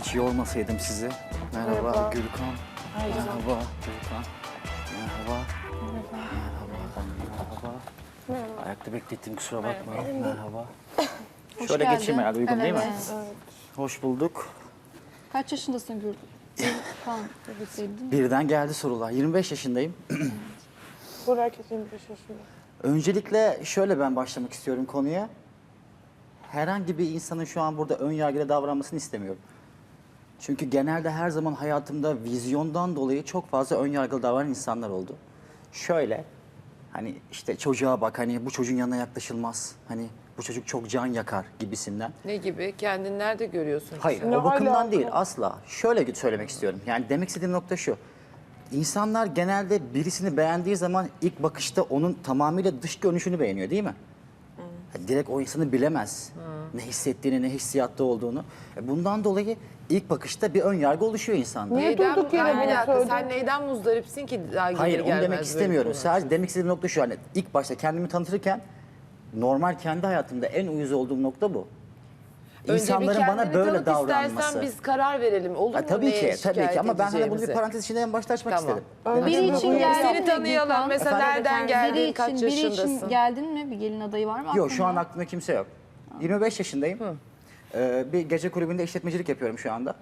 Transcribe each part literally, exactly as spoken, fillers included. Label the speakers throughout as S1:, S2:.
S1: hiç yormasaydım sizi. Merhaba,
S2: Merhaba.
S1: Gülkan.
S2: Merhaba.
S1: Merhaba Gülkan. Merhaba. Merhaba. Merhaba.
S2: Merhaba.
S1: Ayakta beklettim, kusura bakmayın. Merhaba.
S3: Hoş
S1: Şöyle
S3: geldin.
S1: geçeyim herhalde, uygun değil mi?
S3: Evet.
S1: Hoş bulduk.
S3: Kaç yaşındasın Gül? Kan, değil mi?
S1: Birden geldi sorular. yirmi beş yaşındayım.
S2: Burak yirmi beş yaşında.
S1: Öncelikle şöyle ben başlamak istiyorum konuya. Herhangi bir insanın şu an burada ön yargıyla davranmasını istemiyorum. Çünkü genelde her zaman hayatımda vizyondan dolayı çok fazla ön yargılı davranan insanlar oldu. Şöyle, hani işte çocuğa bak, hani bu çocuğun yanına yaklaşılmaz. Hani bu çocuk çok can yakar gibisinden.
S4: Ne gibi? Kendini nerede görüyorsun?
S1: Hayır,
S2: Ne
S1: o bakımdan
S2: alaka?
S1: değil asla. Şöyle söylemek istiyorum. Yani demek istediğim nokta şu. İnsanlar genelde birisini beğendiği zaman ilk bakışta onun tamamıyla dış görünüşünü beğeniyor, değil mi? Yani direkt o insanı bilemez. Ne hissettiğini, ne hissiyatta olduğunu. E Bundan dolayı ilk bakışta bir ön yargı oluşuyor insanda.
S2: Niye
S4: Neyden,
S2: durduk yere
S4: Hayır,
S2: bunu
S4: bir dakika,
S2: söyledin?
S4: sen neyden muzdaripsin ki daha gelir
S1: Hayır, onu
S4: gelmez
S1: demek
S4: böyle
S1: istemiyorum.
S4: bir konu?
S1: Sadece demek istediğim nokta şu. Hani ilk başta kendimi tanıtırken normal kendi hayatımda en uyuz olduğum nokta bu.
S4: Önce bir
S1: İnsanların bana
S4: kendini
S1: böyle
S4: tanıt
S1: davranması.
S4: istersen biz karar verelim. Olur
S1: Ha,
S4: mu?
S1: tabii
S4: neye
S1: ki, tabii
S4: şikayet
S1: ki ama ben hani bunu bir
S4: edeceğimizi?
S1: parantez içinde en başta açmak
S4: Tamam.
S1: istedim.
S3: Biri
S2: Demek
S3: için
S2: ki-
S3: geldin
S4: Seni
S3: mi
S4: tanıyalım.
S3: Gülkan?
S4: Mesela
S1: Efendim?
S4: nereden
S3: Biri
S4: geldin,
S3: için,
S4: kaç
S3: biri için
S4: yaşındasın?
S3: geldin mi? Bir gelin adayı var mı aklında?
S1: Yok, şu an aklımda kimse yok. yirmi beş yaşındayım. Ee, bir gece kulübünde işletmecilik yapıyorum şu anda.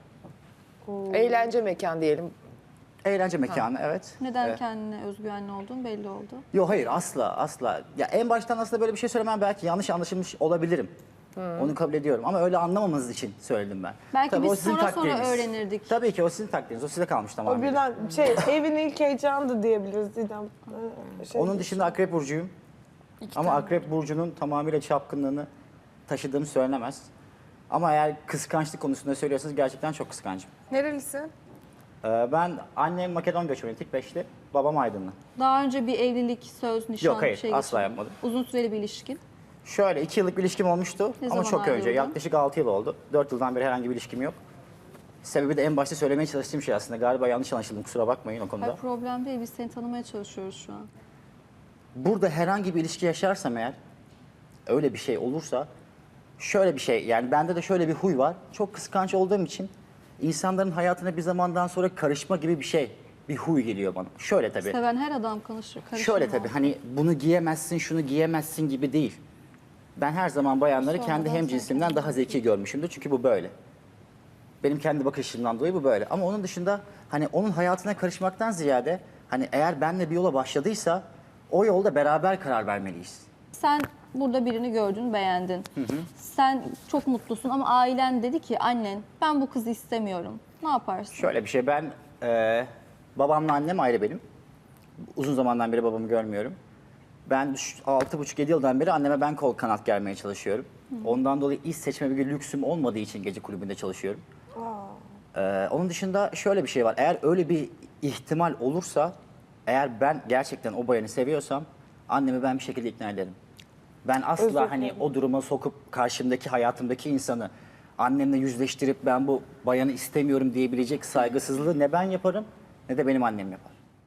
S4: Eğlence mekan diyelim.
S1: Eğlence mekanı, evet.
S3: Neden
S1: Ee,
S3: kendine özgüvenli olduğun belli oldu.
S1: Yok, hayır, asla asla. Ya en baştan aslında böyle bir şey söylemem, belki yanlış anlaşılmış olabilirim. Onu kabul ediyorum ama öyle anlamamanız için söyledim ben.
S3: Belki
S1: Tabii
S3: biz
S1: o sizin
S3: sonra sonra
S1: takdiriniz.
S3: öğrenirdik.
S1: Tabii ki o sizin takdiriniz. O size kalmış
S2: O
S1: tamamen.
S2: birden şey evin ilk heyecanı diyebiliriz Didem. Ee, Şey,
S1: Onun dışında Akrep Burcu'yum. Ama Akrep Burcu'nun tamamıyla çapkınlığını taşıdığım söylenemez. Ama eğer kıskançlık konusunda söylüyorsanız gerçekten çok kıskancım.
S4: Nerelisin?
S1: Ee, ben annem Makedon göçmeni, Tikbeşli, babam Aydınlı.
S3: Daha önce bir evlilik, söz, nişan
S1: Yok, hayır,
S3: bir şey
S1: asla
S3: geçirdin.
S1: yapmadım.
S3: Uzun süreli bir ilişkin.
S1: Şöyle iki yıllık bir ilişkim olmuştu
S3: Ne
S1: ama
S3: zaman
S1: çok önce,
S3: ayrıldın?
S1: yaklaşık altı yıl oldu. dört yıldan beri herhangi bir ilişkim yok. Sebebi de en başta söylemeye çalıştığım şey aslında. Galiba yanlış anlaşıldım, kusura bakmayın o konuda.
S3: Hayır, problem değil. Biz seni tanımaya çalışıyoruz şu an.
S1: Burada herhangi bir ilişki yaşarsam eğer, öyle bir şey olursa, şöyle bir şey, yani bende de şöyle bir huy var. Çok kıskanç olduğum için insanların hayatına bir zamandan sonra karışma gibi bir şey, bir huy geliyor bana. Şöyle tabii.
S3: Seven her adam karışır. karışır
S1: Şöyle
S3: mı?
S1: tabii, hani bunu giyemezsin, şunu giyemezsin gibi değil. Ben her zaman bayanları
S3: Sonradan
S1: kendi hemcinsimden daha zeki görmüşümdür. Çünkü bu böyle. Benim kendi bakışımdan dolayı bu böyle. Ama onun dışında hani onun hayatına karışmaktan ziyade hani eğer benle bir yola başladıysa o yolda beraber karar vermeliyiz.
S3: Sen burada birini gördün, beğendin. Sen çok mutlusun ama ailen dedi ki annen ben bu kızı istemiyorum. Ne yaparsın?
S1: Şöyle bir şey, ben e, babamla annem ayrı benim. Uzun zamandan beri babamı görmüyorum. Ben altı buçuk yedi yıldan beri anneme ben kol kanat germeye çalışıyorum. Ondan dolayı iş seçme bir lüksüm olmadığı için gece kulübünde çalışıyorum. Ee, onun dışında şöyle bir şey var. Eğer öyle bir ihtimal olursa, eğer ben gerçekten o bayanı seviyorsam annemi ben bir şekilde ikna ederim. Ben asla hani o duruma sokup karşımdaki hayatımdaki insanı annemle yüzleştirip ben bu bayanı istemiyorum diyebilecek saygısızlığı ne ben yaparım ne de benim annem yapar.